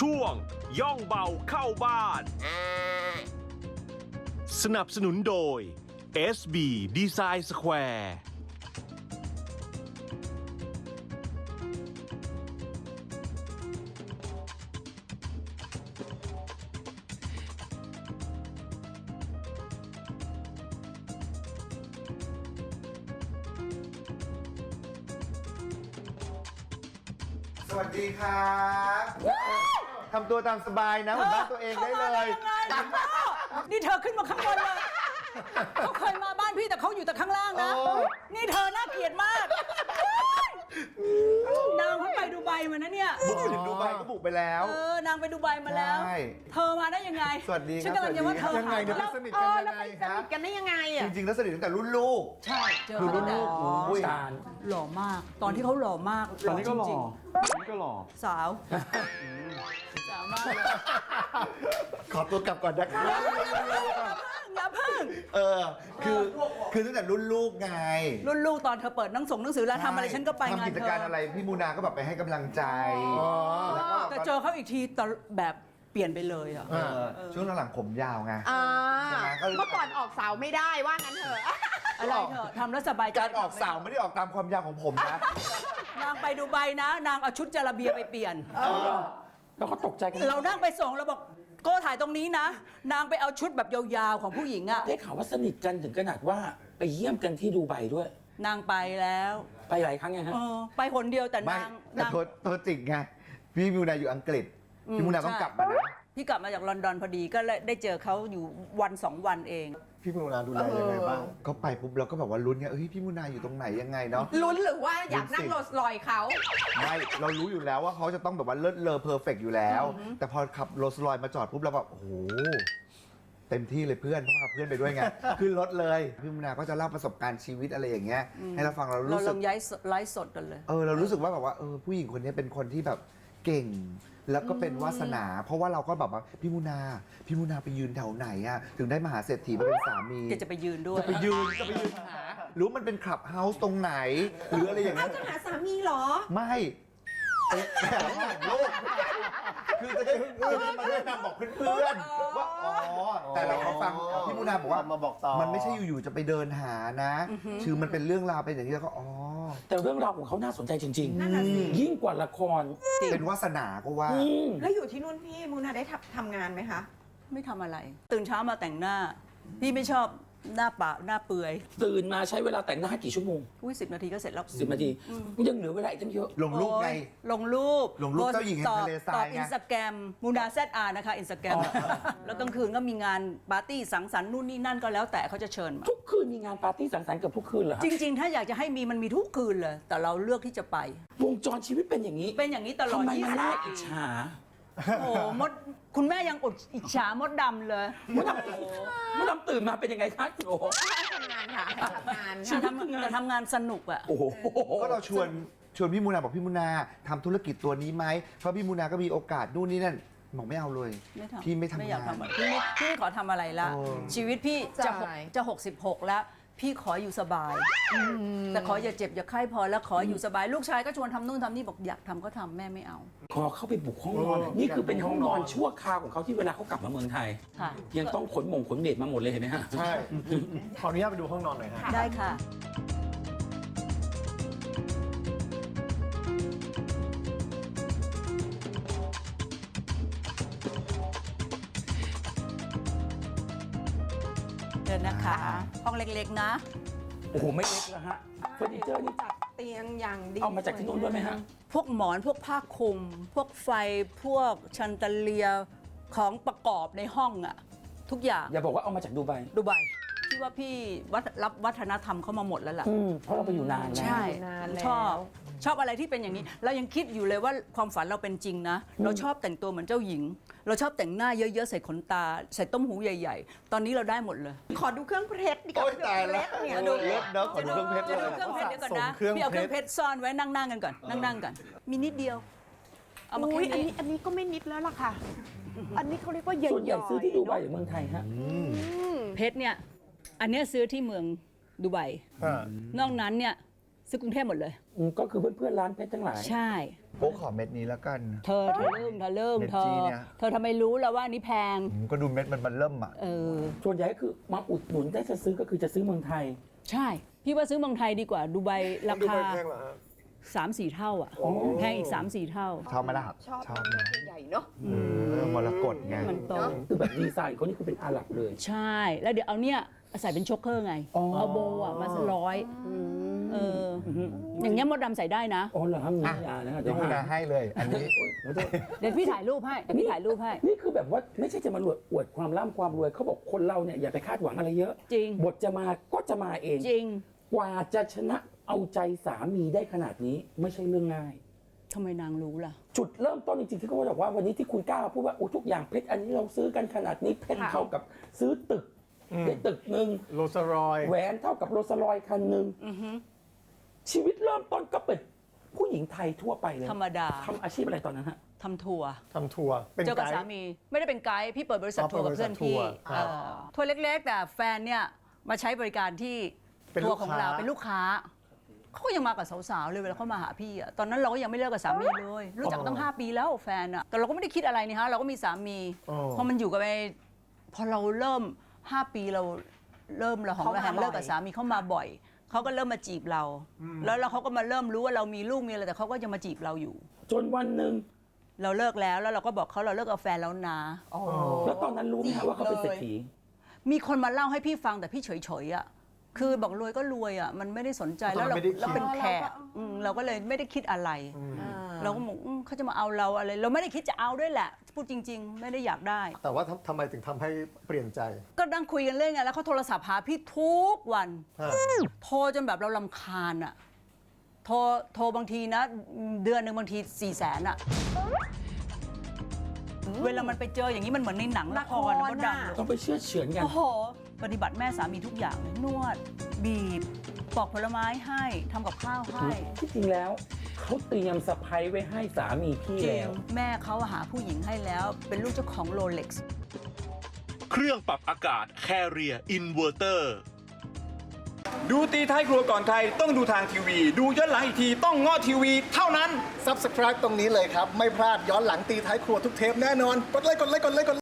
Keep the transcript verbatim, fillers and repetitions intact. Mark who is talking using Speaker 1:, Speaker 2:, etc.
Speaker 1: ช่วงย่องเบาเข้าบ้าน สนับสนุนโดย เอส บี Design Square
Speaker 2: สวัสดีครับทำตัวตามสบายนะเหมือนบ้านตัวเองได้เลย
Speaker 3: นี่เธอขึ้นมาข้างบนเลยเขาเคยมาบ้านพี่แต่เขาอยู่แต่ข้างล่างนะ นี่เธอน่าเกลียดมาก นางเพิ่งไปดูไบมานะเนี่ย
Speaker 2: บุกถึงดูไบก็บุกไปแล้ว
Speaker 3: เออนางไปดูไบมาแล้ว
Speaker 2: ใช่
Speaker 3: เธอมาได้ยังไง
Speaker 2: สวัสดีครับ
Speaker 3: ฉันกำลังจะว่าเธอ
Speaker 2: ยังไงเนี่ย
Speaker 3: หา
Speaker 2: สนิท
Speaker 4: เอ
Speaker 2: กัน
Speaker 4: อ
Speaker 2: ยั
Speaker 4: แล้ว
Speaker 2: ง
Speaker 4: ไป
Speaker 2: ไง
Speaker 4: ส
Speaker 2: ครั
Speaker 4: นิ
Speaker 2: บ
Speaker 4: ทกันได้ยังไง
Speaker 2: จ
Speaker 4: อ่ะ
Speaker 2: ริงๆแล้วสนิทตั้งแต่รุ่นลูก
Speaker 3: ใช่เจอ
Speaker 2: คือ
Speaker 3: เขา
Speaker 2: รุ่น
Speaker 3: ตั้ง
Speaker 2: ลู
Speaker 3: แต่
Speaker 2: กโอ้ย
Speaker 5: จาน
Speaker 3: หล่อมาก ตอนที่เขาหล่อมาก
Speaker 5: ตอนนี้ก็หล่อ
Speaker 3: จริง
Speaker 5: ตอนนี้ก็หล่อ
Speaker 3: ๆสาวสาวมากเลย
Speaker 2: ขอตัวกลับก่อนนะครับ
Speaker 3: อย่าเพิ่ง
Speaker 2: เออคือคือตั้งแต่รุ่นลูกไง
Speaker 3: รุ่นลูกตอนเธอเปิดหนังส่งหนังสือแล้วทำอะไรฉันก็ไปงาน
Speaker 2: ทำกิจ
Speaker 3: เธ
Speaker 2: การ
Speaker 3: อ
Speaker 2: อะไรพี่มูนาก็แบบไปให้กำลังใจแล้วก็
Speaker 3: แต่เจอเขาอีกทีตอนแบบเปลี่ยนไปเลยอ่ะ
Speaker 2: เออช่วงหลังๆผมยาวไง
Speaker 4: อ่า
Speaker 2: ใช่ไหมก็เลย
Speaker 4: เมื่อก่อนออกเสาไม่ได้ว่างั้นเถอะ
Speaker 3: อะไรเถอะทำแล้วสบายใจ
Speaker 2: การออกสาวไม่ได้ออกตามความยาวของผมนะ
Speaker 3: นางไปดูไบนะ นางเอาชุดจาระเบียไปเปลี่ยน
Speaker 5: แล้วก็ตกใจกัน
Speaker 3: เรานั่งไปส่งเราบอกโก้ถ่ายตรงนี้นะ นางไปเอาชุดแบบยาวๆของผู้หญิงอะ
Speaker 5: ได้ข่าวว่าสนิทกันถึงขนาดว่าไปเยี่ยมกันที่ดูไบด้วย
Speaker 3: นางไปแล้ว
Speaker 5: ไปหลายครั้งไงฮะ
Speaker 3: เออไปคนเดียวแต่
Speaker 2: ไม่
Speaker 3: นาง
Speaker 2: แต่
Speaker 3: นาง
Speaker 2: ตัวตัวจริงไงพี่มูนาอยู่อังกฤษพี่มูนาต้องกลับมานะ
Speaker 3: พี่กลับมาจากลอนดอนพอดีก็เลยได้เจอเขาอยู่วันสองวันเอง
Speaker 6: พี่มูนาดูแลยังไงบ้าง
Speaker 2: ก็ไปปุ๊บเราก็แบบว่าลุ้นไงเฮ้ยพี่มูนาอยู่ตรงไหนยังไงเนาะ
Speaker 4: ลุ้นหรือว่าอยากนั่ง
Speaker 2: ลุ้นสิ
Speaker 4: โรลส์รอยซ์เขา
Speaker 2: ไม่เรารู้อยู่แล้วว่าเขาจะต้องแบบว่าเลิศเลอเพอร์เฟกต์อยู่แล้ว แต่พอขับโรลส์รอยซ์มาจอดปุ๊บเราแบบโอ้โหเต็มที่เลยเพื่อนเพราะพาเพื่อนไปด้วยไง ขึ้นรถเลยพี่มูนาก็จะเล่าประสบการณ์ชีวิตอะไรอย่างเงี้ยให้เราฟังเรา
Speaker 3: เรา
Speaker 2: รู้
Speaker 3: ล
Speaker 2: สึก
Speaker 3: งย้ายไลฟ์สดกันเลย
Speaker 2: เออเรารู้สึกว่าแบบว่าเออผู้หญิงคนนี้เป็นคนที่แบบเก่ง แล้วก็เป็นวาสนา เพราะว่าเราก็แบบว่าพี่มูนาพี่มูนาไปยืนแถวไหนอะถึงได้มหาเศรษฐีมาเป็นสามี
Speaker 3: แกจะไปยืนด้วย
Speaker 2: จะไปยืนจะไปยืนหารู้มันเป็นคลับเฮาส์ตรงไหน หรืออะไรอย่าง
Speaker 4: เอา
Speaker 2: เงี้ย
Speaker 4: จะหาสามีเหรอ
Speaker 2: ไม่เอ๊ะแต่ว่าลูกคือจะได้เออมาแนะนำบอกเพื่อนๆว่าอ๋อแต่เราเขาฟังพี่มูนาบอกว่า
Speaker 6: มาบอกต่อ
Speaker 2: มันไม่ใช่อยู่ๆจะไปเดินหานะคือมันเป็นเรื่องราวเป็นอย่างนี้แล้วก็อ๋อ
Speaker 5: แต่เรื่องราวของเขาน่าสนใจจริง
Speaker 4: นั่นน่ะสิ
Speaker 5: ๆ ยิ่งกว่าละคร
Speaker 2: เป็นวาสนาก็ว่า
Speaker 5: อืม
Speaker 4: แล้วอยู่ที่นู่นพี่มูนาได้ทำทำงานไหมคะ
Speaker 3: ไม่ทำอะไร ตื่นเช้ามาแต่งหน้า พี่ไม่ชอบหน้าปะหน้าเปื่อย
Speaker 5: ตื่นมาใช้เวลาแต่งหน้ากี่ชั่วโมง
Speaker 3: อุ้ยสิบนาทีก็เสร็จแล้ว
Speaker 5: สิบนาทียังเหลือเวลาอีกตั้งเยอะ
Speaker 2: ลงรูปไง
Speaker 3: โอ๊ยลงรูป
Speaker 2: ลงรูปเจ้าหญิงแห่งทะเลทราย
Speaker 3: ตอบ
Speaker 2: ไง
Speaker 3: อินสตาแกรมมูนาแซดอาร์นะคะอินสตาแกรมแล้วกลางคืนก็มีงานปาร์ตี้สังสรรค์นู่นนี่นั่นก็แล้วแต่เขาจะเชิญมา
Speaker 5: ทุกคืนมีงานปาร์ตี้สังสรรค์เกือบทุกคืนเหรอฮะ
Speaker 3: จริง ๆ ถ้าอยากจะให้มีมันมีทุกคืนเลย แต่เราเลือกที่จะไป
Speaker 5: วงจรชีวิตเป็นอย่างนี้
Speaker 3: เป็นอย่างนี้ตลอ
Speaker 5: ทำ
Speaker 3: ด
Speaker 5: ไม
Speaker 3: ยี่
Speaker 5: มัน
Speaker 3: สิบ
Speaker 5: น่า
Speaker 3: ปี
Speaker 5: อิจฉา
Speaker 3: โอ้โหมดคุณแม่ยังอดอิจฉามดดำเลย
Speaker 5: มดดำมดดำตื่นมาเป็นยังไงคะโอ้โห
Speaker 4: ทำงานค่ะทำงาน
Speaker 5: ชี
Speaker 3: แต่
Speaker 5: วิต
Speaker 3: ทำ
Speaker 5: คืองาน
Speaker 3: แต่ทำงานสนุกอะ
Speaker 5: โอ้โห
Speaker 2: ก็เราชวนชวนพี่มูนาบอกพี่มูนาทำธุรกิจตัวนี้ไหมเพราะพี่มูนาก็มีโอกาสนู่นนี่นั่นบอกไม่เอาเลย
Speaker 3: ไม่ทำ
Speaker 2: พี่ไม่ทำ
Speaker 3: ไม่อยาก
Speaker 2: งาน
Speaker 3: ทำอะพี่ไม่พี่ไม่ขอทำอะไรละ
Speaker 2: โอ้
Speaker 3: ชีวิตพี่จะหกจะหกสิบหกแล้ว พี่ขออยู่สบาย แต่ขออย่าเจ็บอย่าไข้พอแล้วขออยู่สบายลูกชายก็ชวนทำนู่นทำนี่บอกอยากทำก็ทำแม่ไม่เอา
Speaker 5: ขอเข้าไปบุกห้องนอน
Speaker 6: เออ
Speaker 5: นี่คือเป็นห้องนอนชั่วคราวของเขาที่เวลาเขากลับมาเมืองไทย
Speaker 3: ค่ะ
Speaker 5: ยังต้องขนหมงขนเบ็ดมาหมดเลยเห็นไหมฮะ
Speaker 6: ใช่ ขออนุญาตไปดูห้องนอนหน่อยฮะ
Speaker 3: ได้ค่ะ เดินนะคะ ห้องเล็กๆนะ
Speaker 5: โอ้โห ไม่เล็กแล้วฮะเฟอร์นิเจอร์นี่
Speaker 4: จัดเตียงอย่างดี
Speaker 5: เอามาจากที่นู่นด้วยไหมฮะ
Speaker 3: พวกหมอนพวกผ้าคลุม พวกไฟพวกชันเตเลียของประกอบในห้องอะทุกอย่าง
Speaker 5: อย่าบอกว่าเอามาจากดูไบ
Speaker 3: ดูไบพี่ว่าพี่วัฒรับวัฒนธรรมเข้ามาหมดแล้วล่ะ
Speaker 5: อืมเพราะเราไปอยู่นานแล้ว
Speaker 3: ใช่
Speaker 4: นานแล้ว
Speaker 3: ชอบชอบอะไรที่เป็นอย่างนี้ เรายังคิดอยู่เลยว่าความฝันเราเป็นจริงนะ เราชอบแต่งตัวเหมือนเจ้าหญิง เราชอบแต่งหน้าเยอะๆใส่ขนตา ใส่ต้มหูใหญ่ ๆ ตอนนี้เราได้หมดเลย
Speaker 4: ขอดูเครื่องเพชรดีกว่า
Speaker 2: โอ๊ยตายแล้ว
Speaker 4: เครื่องเพชรเนี่ย
Speaker 2: เออเลิศเนอะขอดูเครื่องเพชร
Speaker 3: จะ
Speaker 2: เล
Speaker 3: ดู
Speaker 2: ย
Speaker 3: เครื่องเพชรเดี๋ยวก่อนนะ
Speaker 6: สะสมเครื่อง
Speaker 3: พี่เอาเครื่อง
Speaker 6: เพ
Speaker 3: เพ
Speaker 6: ช
Speaker 3: ช
Speaker 6: ร
Speaker 3: รซ่อนไว้นั่งๆกันก่อนนั่งๆกันมีนิดเดียวเอามา
Speaker 4: อุ้ย
Speaker 3: แค่
Speaker 4: อัน
Speaker 3: นี้
Speaker 4: นี้อันนี้ก็ไม่นิดแล้วล่ะค่ะ อันนี้เขาเรียกว่าเย็น
Speaker 5: ส่วนใหญ่ซื้อที่ดูไบหรือเมืองไทยฮะ
Speaker 3: เพชรเนี่ยอันเนี้ยซื้อที่เมืองดูไบ
Speaker 6: อ่าน
Speaker 3: อกนั้นเนี่ยซื้อกรุงเทพหมดเลย
Speaker 5: อืมก็คือเพื่อนๆร้านเพชรทั้งหลาย
Speaker 3: ใช่
Speaker 2: โป๊กขอเม็ดนี้แล้วกัน
Speaker 3: เธอเธอเริ่มเธอเริ่ม
Speaker 2: เม็ด
Speaker 3: เธ
Speaker 2: จี้
Speaker 3: อ
Speaker 2: เนี่ย
Speaker 3: เธอทำไมรู้แล้วว่าอันนี้แพง
Speaker 2: อืมก็ดูเม็ดมันมันเริ่มอ่ะ
Speaker 3: เออ
Speaker 5: ส่วนใหญ่ก็คือมาอุดหนุนได้จะซื้อก็คือจะซื้อเมืองไทย
Speaker 3: ใช่ พี่ว่าซื้อเมืองไทยดีกว่าดูไบรา
Speaker 6: ดู
Speaker 3: คา
Speaker 6: ไปแพงเหรอฮะ
Speaker 3: สามสี่เท่าอ่ะแพงอีกสามสี่เท่า
Speaker 2: ชอบไหมล่ะ
Speaker 4: ชอบ
Speaker 2: ชอบนะ
Speaker 4: ใหญ่เนาะ
Speaker 2: เออมรกตไง
Speaker 3: มันโต
Speaker 5: คือแบบดีไซน์เขานี่คือเป็นอาหรับเลย
Speaker 3: ใช่ แล้วเดี๋ยวเอาเนี่ยใส่เป็นช็อกเกอร์ไง
Speaker 5: อ๋อ
Speaker 3: เอาโบว์อะมาร้อยเอออย่างเงี้ยมดดำใส่ได้นะ
Speaker 5: อ๋อเหรอฮะมียานะฮะ
Speaker 2: เดี๋ยวคุณนาให้เลย อันนี้
Speaker 3: เดี๋ยวพี่ถ่ายรูปให้เดี๋ยวพี่ถ่ายรูปให้
Speaker 5: นี่คือแบบว่าไม่ใช่จะมาอวดอวดความร่ำความรวยเขาบอกคนเราเนี่ยอย่าไปคาดหวังอะไรเยอะ
Speaker 3: จริง
Speaker 5: บทจะมาก็จะมาเอง
Speaker 3: จริง
Speaker 5: กว่าจะชนะเอาใจสามีได้ขนาดนี้ไม่ใช่เรื่องง่าย
Speaker 3: ทำไมนางรู้ล่ะ
Speaker 5: จุดเริ่มต้นจริงๆที่เขาบอกว่าวันนี้ที่คุณกล้ามาพูดว่าโอ้ทุกอย่างเพชรอันนี้เราซื้อกันขนาดนี้เพชร
Speaker 4: ค่ะ
Speaker 5: เท่ากับซื้อตึก
Speaker 6: อืม
Speaker 5: ในตึกหนึ่ง
Speaker 6: โรสรอย
Speaker 5: แหวนเท่ากับโรลส์รอยซ์คันหนึ่งชีวิตเริ่มต้นก็เป็นผู้หญิงไทยทั่วไปเลย
Speaker 3: ธรรมดา
Speaker 5: ทำอาชีพอะไรตอนนั้นฮะ
Speaker 3: ทำทัวร์
Speaker 6: ทำทัวร์เป็น
Speaker 3: เจอกับ
Speaker 6: ไกด์
Speaker 3: สามีไม่ได้เป็นไกด์พี่เปิดบริษัท
Speaker 6: อ๋อ
Speaker 3: ทัวร์กับ
Speaker 6: เปิดบริษั
Speaker 3: เพื่อ
Speaker 6: ท
Speaker 3: นพี่
Speaker 6: ทัวร์ครับ
Speaker 3: เออทัวร์เล็กๆ แต่แฟนเนี่ยมาใช้บริการที่
Speaker 6: เป็น
Speaker 3: ทั
Speaker 6: ลู
Speaker 3: ว
Speaker 6: ก
Speaker 3: ร์ของ
Speaker 6: ค้า
Speaker 3: เราเป็นลูกค้าเขาก็ยังมากับสาวๆเลยเวลาเขามาหาพี่อะตอนนั้นเราก็ยังไม่เลิกกับสามีเลย รู้จักกันตั้งห้าปีแล้วแฟนอะแต่เราก็ไม่ได้คิดอะไรนี่ฮะเราก็มีสามี
Speaker 6: อ๋อ
Speaker 3: พอมันอยู่กันไปพอเราเริ่มห้าปีเราเริ่มเราของ
Speaker 4: เขามา
Speaker 3: เราแหงเลิกกับ
Speaker 4: บ่อย
Speaker 3: สามีเขามาบ่อยเขาก็เริ่มมาจีบเรา แล้วแล้วเขาก็มาเริ่มรู้ว่าเรามีลูกมีอะไรแต่เขาก็ยังมาจีบเราอยู่
Speaker 5: จนวันหนึ่ง
Speaker 3: เราเลิกแล้วแล้วเราก็บอกเขาเราเลิกกับแฟนแล้วนะ
Speaker 4: โอ้
Speaker 5: แล้วตอนนั้นรู้ไหมฮะว่าเขาเป็นเศรษฐี
Speaker 3: มีคนมาเล่าให้พี่ฟังแต่พี่เฉยๆอ่ะ คือบอกรวยก็รวยอ่ะ มันไม่ได้สนใจแล้วเรา
Speaker 6: ไม่ได้คิด
Speaker 3: เราเป็นแขกอืมเราก็เลยไม่ได้คิดอะไร เราก็บอกอืมเขาจะมาเอาเราอะไร เราไม่ได้คิดจะเอาด้วยแหละ พูดจริง ๆ ไม่ได้อยากได้
Speaker 6: แต่ว่าทำทำไมถึงทำให้เปลี่ยนใจ
Speaker 3: ก็นั่งคุยกันเล่นไงแล้วเขาโทรศัพท์หาพี่ทุกวัน
Speaker 6: ฮะ
Speaker 3: โทรจนแบบเราลำคาญอ่ะ โทรโทรบางทีนะ เดือนหนึ่งบางทีสี่แสนอ่ะ เวลามันไปเจออย่างนี้มันเหมือนในหนังละครนะมดดำ
Speaker 5: ต้องไปเชื่อเฉือนกัน
Speaker 3: โอ้โห ปฏิบัติแม่สามีทุกอย่างเลยนวด บีบ ปอกผลไม้ให้ทำกับข้าวให้
Speaker 5: ที่จริงแล้วเขาเตรียมสะพายไว้ให้สามีพี่
Speaker 3: จริ
Speaker 5: แล้
Speaker 3: ง
Speaker 5: ว
Speaker 3: แม่เขาหาผู้หญิงให้แล้ว เป็นลูกเจ้าของโรเล็กซ์
Speaker 1: เครื่องปรับอากาศ Carrier Inverter
Speaker 7: ดูตีท้ายครัวก่อนใครต้องดูทางทีวี ดูย้อนหลังอีกทีต้องง้อทีวีเท่านั้น
Speaker 6: Subscribe ตรงนี้เลยครับ ไม่พลาดย้อนหลังตีท้ายครัวทุกเทปแน่นอน กดไลค์กดไลค์กดไลค์กดไลค์